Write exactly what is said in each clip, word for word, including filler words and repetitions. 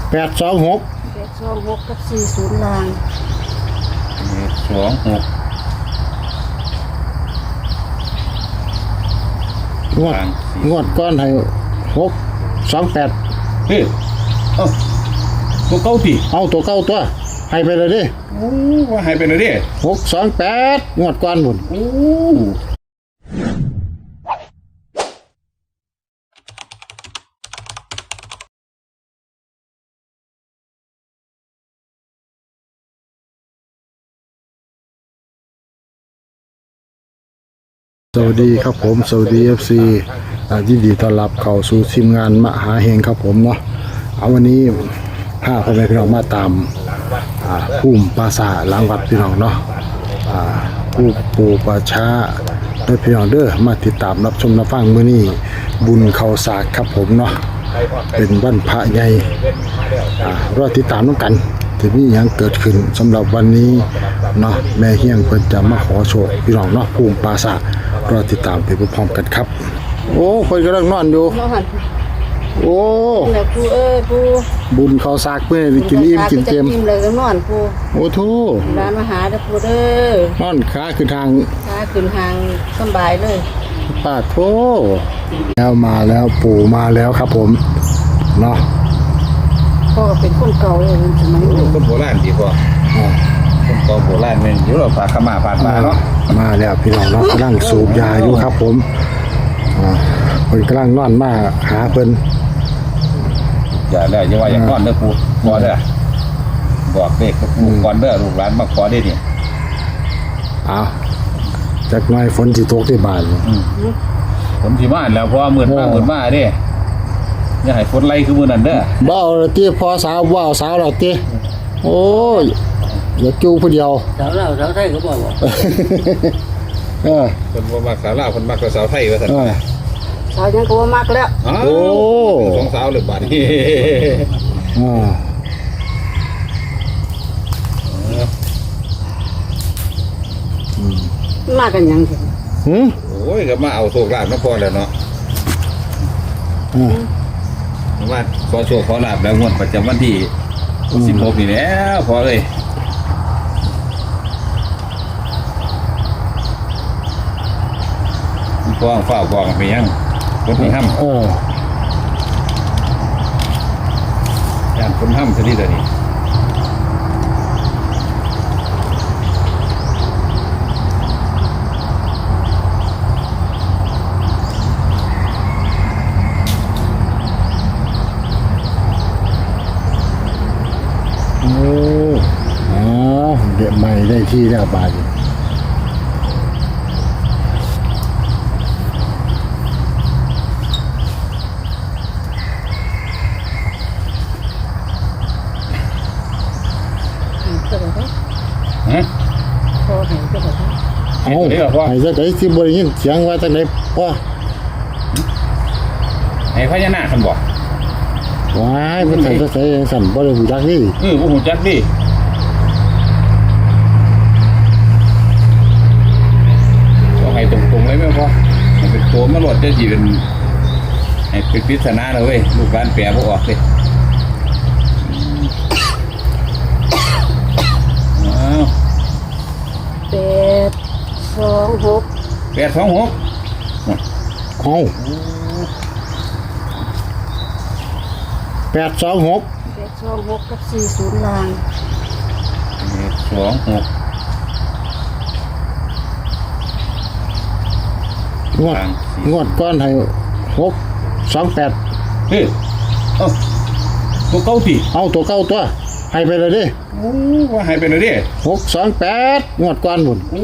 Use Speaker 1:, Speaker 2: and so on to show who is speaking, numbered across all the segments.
Speaker 1: แปดสองหก
Speaker 2: แปดสองหกกับสี่ศูนย์ลาง
Speaker 3: แปดสองหก
Speaker 1: งวดงวดก้อนให้หกสองแปด
Speaker 3: เฮ้ยเอ้าตัวเก้าตี
Speaker 1: เอาตัวเก้าตัวให้ไปเลยดิ
Speaker 3: โอ้ว่าให้ไปเลยดิ
Speaker 1: หกสองแปดงวดก้อนหมด
Speaker 3: โอ้
Speaker 1: สวัสดีครับผมสวัสดีเอฟซียินดีต้อนรับเข้าสู่ทีมงานมหาเฮงครับผมเนาะเอาวันนี้พาพ่อแม่พี่น้องมาตามภูมิปราสาทหลังวัดพี่น้องเนาะผู้ปูป่าช้าโดยพี่น้องเด้อมาติดตามรับชมรับฟังมื้อนี้บุญเข้าสากครับผมเนาะเป็นวันพระใหญ่รอติดตามน้องกันจะมีอย่างเกิดขึ้นสำหรับวันนี้เนาะแม่เฮียงเพิ่นจะมาขอโชคพี่น้องเนาะภูมิปราสาทรอติดตามไปพร้อมๆกันครับโอ้คนกำลังนอนอยู่โอ้
Speaker 2: แล้วปูเอ้ยปู
Speaker 1: บุญเขาซากเพื่อกินอิ่มกินเต็ม
Speaker 2: เลยก็นอนปู
Speaker 1: โอ้โธ่
Speaker 2: ร้านมาหาเด้อปูเด้
Speaker 1: อนอนขาคือทาง
Speaker 2: ขาขึ้นทางสบายเลย
Speaker 1: ป้าโธ่แล้วมาแล้วปู่มาแล้วครับผมเนาะ
Speaker 2: พ่อก็เป็นคนเก่าเลยสมัยนี้
Speaker 3: คนโบราณดีพ่อคนเก่าโบราณแม่นอยู่เราฝากขมาผ่านมาเนาะ
Speaker 1: มาแล้วพี่น้องเนาะกำลังสูบยาอยู่ครับผมอ่าเพิ่นกำลังนอนมาหาเพิ่น
Speaker 3: อย่าแล้วอย่าว่าอย่างก้อนเด้อปูขอเด้อบอกเด็กปูก่อนเด้อลูกหลานมาขอได้ดิ
Speaker 1: อ้าวจักหน่อยฝนสิตกที่บ้าน
Speaker 3: ฝนสิมาแล้วเพราะมื้อมามื้อมาเด้อย่าให้ฝนไล่คือมื้อนั้นเด้อ
Speaker 1: บ่เอาละติพอสาวบ่เอาสาวแล้วติโอ้ยอย่าจู้ผู้เดียว
Speaker 2: สาวลาวสาวไทยก็บ่บ่
Speaker 1: เออ
Speaker 3: เพิ่นบ่มักสาวลาวเพิ่นมักสาวไทยว่าซั่น
Speaker 2: สาวยังก็บ่มักแล้ว
Speaker 1: โอ้
Speaker 3: สองสาวเลยบาดนี้
Speaker 1: อ่า
Speaker 2: อืมมากันยังสิ
Speaker 1: หึ
Speaker 3: โอ้ยก็มาเอาโชคลาภมาพอแล้วเนาะ
Speaker 1: อืม
Speaker 3: มาขอโชคขอลาภแล้วงวดประจำวันที่สิบหกนี่แล้วพอเลยฟ้องฝ้าฟ้องไปยังคนที่ห้ำ
Speaker 1: เออ
Speaker 3: การคนห้ำซะดีแต่นี้
Speaker 1: โอ้อ๋อเดี๋ยวใหม่ได้ที่แล้วบาท
Speaker 3: ฮะ
Speaker 2: พอให้ก็บ่
Speaker 1: เอาให้จักได๋สิบ่ได้ยินเสียงว่าจังได๋พ่อ
Speaker 3: ให้พญานาคคั่นบ่
Speaker 1: ว้ายมันใส่ใส่จังซั่นบ่ได้ฮู้จักนี่
Speaker 3: เออบ่ฮู้จักดิก็ให้ตรงๆเลยแม่พ่อให้เป็นโตมาโลดจะสิเป็นให้เป็นปริศนาเด้อเว้ยลูกหลานแปลบ่ออกเด้
Speaker 2: แปดสองหก
Speaker 3: แปดสองหก
Speaker 1: เอาแปดสองหก
Speaker 2: แปดสองหกกับสี่ศูนย์ลาง
Speaker 3: แปดสองหก
Speaker 1: งวดงวดก้อนให้หกสองแปด
Speaker 3: เฮ้ยเอ้าตัวเก้าตี
Speaker 1: เอาตัวเก้าตัวให้ไปเลยดิ
Speaker 3: โอ้ว่าให้ไปเลยดิ
Speaker 1: หกสองแปดงวดก้อนหมด
Speaker 3: โอ้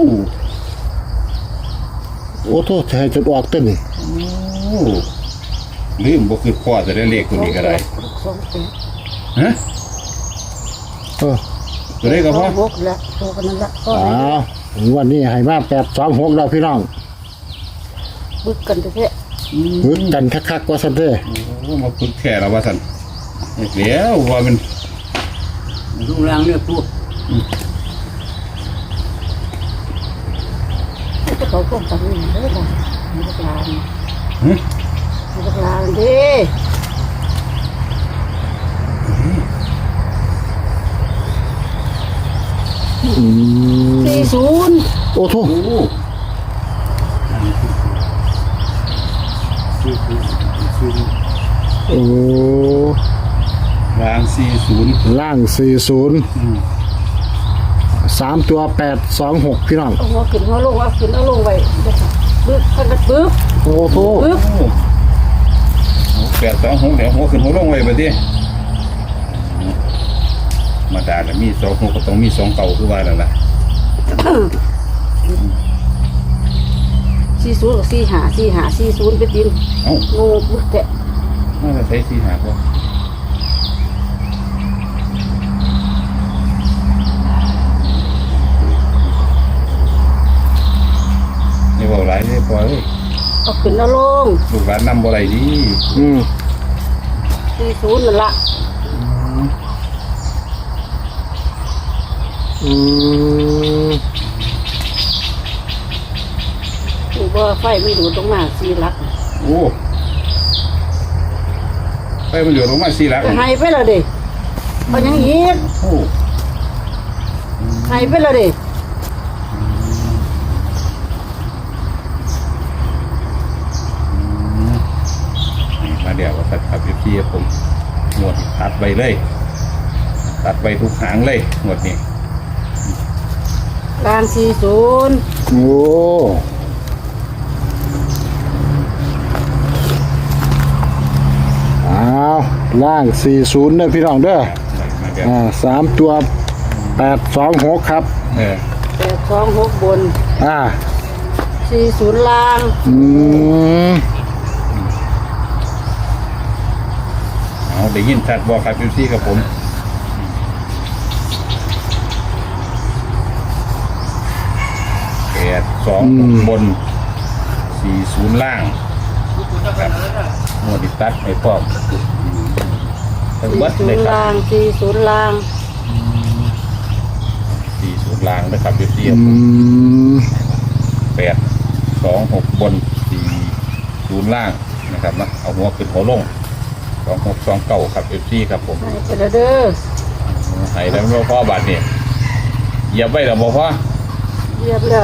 Speaker 1: โอ้โทษให้จนออกเต้นนี่
Speaker 3: โอ้ลืมบ่คือพ่อจะได้เลขตัวนี้ก็ได้ฮะ
Speaker 1: เออ
Speaker 3: ตัวนี้ก็พอ
Speaker 2: หกแล้วโตกันนั่นละ
Speaker 1: อ๋อวันนี้ให้มาแปดสองหกแล้วพี่น้อง
Speaker 2: บึกกันเถอะ
Speaker 1: บึกกันคักๆว่าซั่นเด้อ
Speaker 3: โอ้มาพึ่งแค่แล้วว่าซั่นเดี๋ยวว่ามัน
Speaker 2: ลูกหลานเนี่ยปูก็เขาก็ตัดนี่เด้อบ่มีลูกหลาน
Speaker 3: ฮะ
Speaker 2: มีลูกหลานดิศูนย์
Speaker 1: โอ้โถ
Speaker 3: โอ้
Speaker 1: โอ้
Speaker 3: รางสี่ศูนย์
Speaker 1: ล่างสี่ศูนย์สามตัวแปดสองหกพี่น้อง
Speaker 2: เอาหัวขึ้นหัวลงว่าขึ้นเอาลงไว้เด้อค่ะปึ๊บคันกระปึ๊บ
Speaker 1: โอ้โถ
Speaker 2: ปึ๊บ
Speaker 3: แปดสองหกเดี๋ยวหัวขึ้นหัวลงไว้ไปดิมาด่าแล้วมีสองหกก็ต้องมีสองเก่าคือว่าแล้วล่ะ
Speaker 2: สี่ศูนย์กับสี่หาสี่หาสี่ศูนย์ไปติน
Speaker 3: เอ้า
Speaker 2: งูปึ๊บแตะ
Speaker 3: น่าจะใช้สี่หาพอนี่บอกหลายเลยพอเลย
Speaker 2: เอาขึ้นเอาลง
Speaker 3: ลูกหลานนำบ่ไรดี
Speaker 1: อืม
Speaker 2: สี่ศูนย์นั่นละ
Speaker 1: อืม
Speaker 2: นี่บ่ไฟไม่ดูดตรงมาสี่หลัก
Speaker 3: โอ้ไปมันอยู่ตรงมาสี่หลัก
Speaker 2: ก็ให้ไปแล้วเด้เอาหยังอีก
Speaker 3: โอ้
Speaker 2: ให้ไปแล้วเด้
Speaker 3: มาเดี๋ยวว่าตัดขับอยู่ที่ผมหมวดตัดไปเลย ตัดไปทุกหางเลยหมวดนี้
Speaker 2: กลางสี่ศูนย์
Speaker 1: โอ้อ้าวล่างสี่ศูนย์เด้อพี่น้องเด้อ
Speaker 3: มาเดี๋ยว
Speaker 1: อ่าสามตัวแปดสองหกครับ
Speaker 3: เออ
Speaker 2: แปดสองหกบน
Speaker 1: อ่า
Speaker 2: สี่ศูนย์ล่าง
Speaker 1: อืม
Speaker 3: เอาได้ยินชัดบอกครับอยู่ที่กับผมแปดสองบนสี่ศูนย์ล่างครับหมวดตัดให้พร้อมทั้ง
Speaker 2: สี่
Speaker 3: เบิด
Speaker 2: ศู
Speaker 3: เลย
Speaker 2: นย์
Speaker 3: ครับ
Speaker 2: ล่างสี่ศูนย์ล่าง
Speaker 3: สี่ศูนย์ล่างนะครับอยู่ที่
Speaker 1: อืม
Speaker 3: แปดสองหกบนสี่ศูนย์ล่างนะครับนะเอาหัวขึ้นหัวลงสองหกสองเก้าครับเอฟซีครับผม
Speaker 2: ให้ไปแล้วเด้อ
Speaker 3: ให้แล้วไม่พ่อบาทเนี่ยเหยียบไว้แล้วบ่พ่อ
Speaker 2: เรียบแล้ว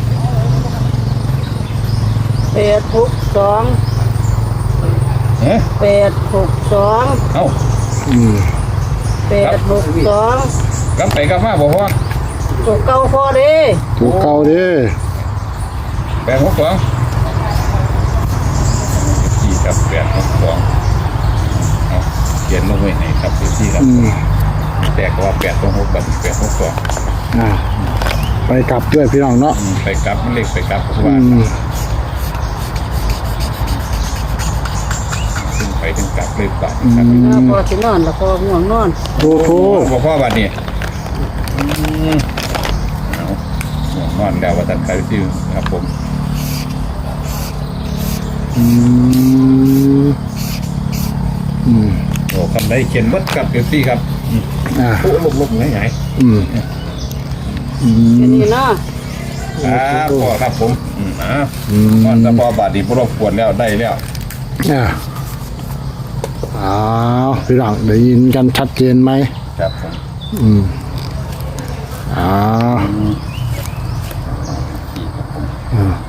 Speaker 2: แปดหกสอง
Speaker 3: เอ๊ะ
Speaker 2: แปดหกสอง
Speaker 3: เอ้า
Speaker 1: อืม
Speaker 2: แปดหกสอง
Speaker 3: กลับไปกลับมาบ่พ่อ
Speaker 2: ตัวเก่าพอเด้
Speaker 1: ถูกเก่าเด้อ
Speaker 3: แปดหกสองสี่ครับแปดหกสองเอาเขียนลงไว้ไหนครับเอฟซีครับ
Speaker 1: อืม
Speaker 3: แต่ก็ว่าแปดสองหกบัตรแปดหกสอง
Speaker 1: อ่าไปกลับด้วยพี่น้องเนาะ
Speaker 3: ไปกลับเลขไปกลับเพราะ
Speaker 1: อื
Speaker 3: ว่าม ขึ้นไปถึงกลับเลยบัตรครับ
Speaker 2: ถ้าพอสินอนแล้วพอง่วงนอน
Speaker 1: โอ้โห
Speaker 3: บ่พ่อบัตรนี่อืมเอาหัวนอนแล้วว่าตัดใครซื้อครับผม
Speaker 1: อืมอืม
Speaker 3: โอ้คำได้เขียนวัดกับเอฟซีครับอืม
Speaker 1: อ่า
Speaker 3: โอ้ลบลบไหนไหน
Speaker 1: อืมอื
Speaker 2: แค่
Speaker 1: ม
Speaker 2: นี้เนาะ
Speaker 3: ครับพ่อครับผมอืมอ่า
Speaker 1: อืม
Speaker 3: นอนแต่พอบาดนีบ่รบกวนแล้วได้แล้ว
Speaker 1: อ่าอ้าวพี่น้องได้ยินกันชัดเจนไหม
Speaker 3: ครับผม
Speaker 1: อืมอ้าวอ่า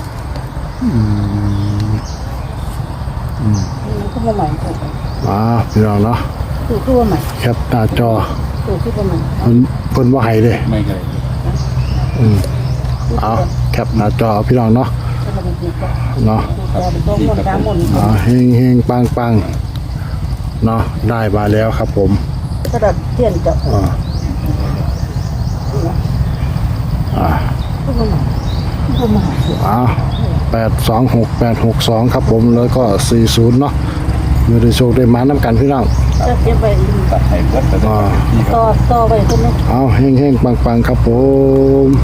Speaker 2: มันก็มาใหม่ถูก
Speaker 1: อ้าวพี่น้องเนาะ
Speaker 2: ถูกตัวใหม่
Speaker 1: แคปหน้าจอ
Speaker 2: ถูกที่ประมาณ
Speaker 1: เพิ่นเพิ่นว่าให้เด้
Speaker 3: ไม่เคย
Speaker 1: อืมเอาแคปหน้าจอพี่น้องเนาะ
Speaker 2: ก็มาดีกว่า
Speaker 1: เนาะ
Speaker 2: ถูกตัวเป็นตัวคนสามคน
Speaker 1: อ่าเฮงเฮงปังปังเนาะได้มาแล้วครับผม
Speaker 2: กระดับเทียนจะ
Speaker 1: อ่าอ่า
Speaker 2: ก็มาใหม่ก็มาใหม่
Speaker 1: อ้าวแปดสองหกแปดหกสองครับผมแล้วก็สี่ศูนย์เนาะมีได้โชคได้มาน้ำกันพี่น้อง
Speaker 2: จะเก็บไป
Speaker 3: ตัดให้วัดแต่ได้
Speaker 1: อ่า
Speaker 3: ที่ครับ
Speaker 2: ต่อต่อไปคนนึง
Speaker 1: เอาเฮงเฮงปังปังครับผม